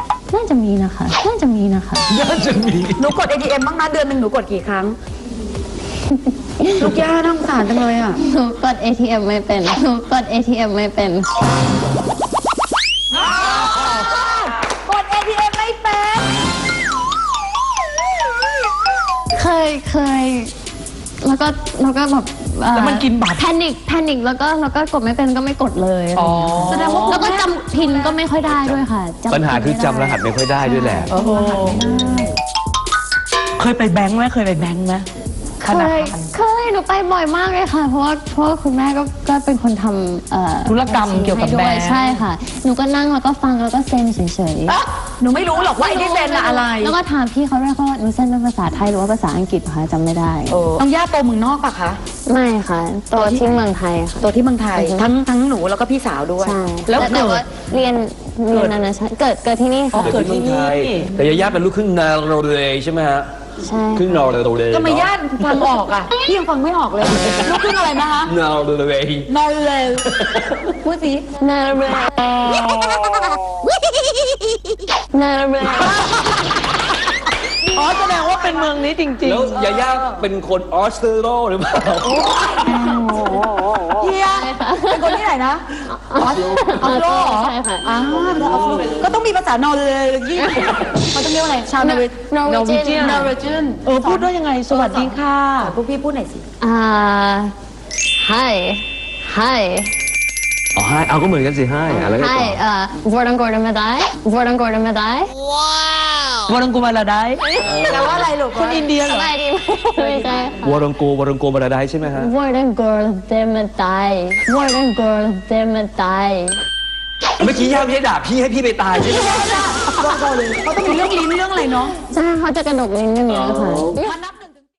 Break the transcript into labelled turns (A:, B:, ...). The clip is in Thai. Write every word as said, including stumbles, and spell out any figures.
A: น่าจะมีนะคะน่าจะมีนะคะ
B: น่าจะมี
C: หนูกด เอ ที เอ็ม บ้างนะเดือนหนึ่งหนูกดกี่ครั้ง ลูกย่าน่าสงสารจังเลยอ่ะ
A: หนูกด เอ ที เอ็ม ไม่เป็นหนูกด เอ ที เอ็ม ไม่เป็น
C: กด เอ ที เอ็ม ไม่เป็น
A: เคยเคยแล้วก็แล้วก็แบบเอ่อ
B: แล้วมันกินบัตร
A: แพนิคแพนิคแล้วก็แล้วก็กดไม่เป็นก็ไม่กดเลย
B: อ๋อ
C: แสดงว่า
A: แล้วก็จำพินก็ไม่ค่อยได้ด้วยค่ะจำ
D: ปัญหาคือ
A: พิน
D: จำรหัสไม่ค่อยได้ด้วยแหละ
B: โอ้โหเคยไปแบงค์ไหมเคยไปแบงค์ไหม
A: เคยเคยหนูไปบ่อยมากเลยค่ะ เพราะว่าเพราะว่าคุณแม่ก็ก็เป็นคนทำเอ่อ
B: ธุรกรรมเกี่ยวกับ
A: ให้
B: แบ
A: ด้
B: ง
A: วย
B: ค์
A: ใช่ค่ะ หนูก็นั่งแล้วก็ฟังแล้วก็เซ็นเฉยๆ
C: หนูไม่รู้หรอกว่าไอ้ที่เซ็นอะอะไร
A: แล้วก็ถามพี่เขาด้วยเขาว่าหนูเซ็นเป็นภาษาไทยหรือว่าภาษาอังกฤษคะจำไม่ได้
C: น้องย่าโตเมืองนอกปะคะ
A: ไม่ค่ะตัวที่เมืองไทยค่ะ
C: โตที่เมืองไทย
A: อือฮึ
C: ทั้งทั้งหนูแล้วก็พี่สาวด้วย
A: ใช่
C: แล้ว
A: แต่
C: เกิ
A: ว่า
C: ด
A: เรียนเรียนนานาชาติเกิดเกิดที่นี่ค่ะ
B: เกิดที่นี่
D: แต่ยาย่าเป็นลูกครึ่งนาโรเรใช่ไหมฮะ
A: ใช่
D: ครึ่งนาโรเร
C: ทำไมย่าฟังออกอ่ะ พี่ยังฟังไม่ออกเลย ลูกครึ่งอะไรนะคะ
D: นาโรเร
C: นอร์เวย์พูดสิ
A: นาเรนาเร
B: อ๋อแสดงว่าเป็นเมืองนี้จริง
D: แล้วยาย่าเป็นคนออสเตรโลหรือเปล่า
C: เฮียเป็นคนที่ไหนนะออสออสโลเหรอ
A: ใช่ค่ะ
C: อ่าเป็นออสโลก็ต้องมีภาษานอร์เวย์ยี่เขาต้องเรียกว่าอะไร ชาวนอร์เวย์
A: Norwegian
C: นอร์เวย์จิน
B: ๆ เออพูดด้วยยังไง สวัสดีค่ะ
C: พวกพี่พูดหน่อยสิ
A: อ่า hi hi
D: อ๋อให้เอาก็เหมือนกันสิให้อะไรก็ต่
A: hi
D: อ
A: เอ่อ Hvordan går det med dig Hvordan går det med dig
B: วรังกูมาลาได้
C: แปลว่าอะไรลูก
B: คนอินเดียเหร
A: ส
B: อ
A: บายดีไหมไม่ใช่ค่ะ
D: วอรังโกวอรังโกมาราไดใช่ไหมฮะ
A: Hvordan går det med dig Hvordan går det med dig
D: เมื่อกี้ย่าไม่ได้ด่าพี่ให้พี่ไปตายใช่ไหม
C: เขาต้องมีเรื่องลิ้นเรื่องอะไรเนาะ
A: ใช่เขาจะกระดกลิ้นอย่างเงี้ยค่ะ
C: มานับ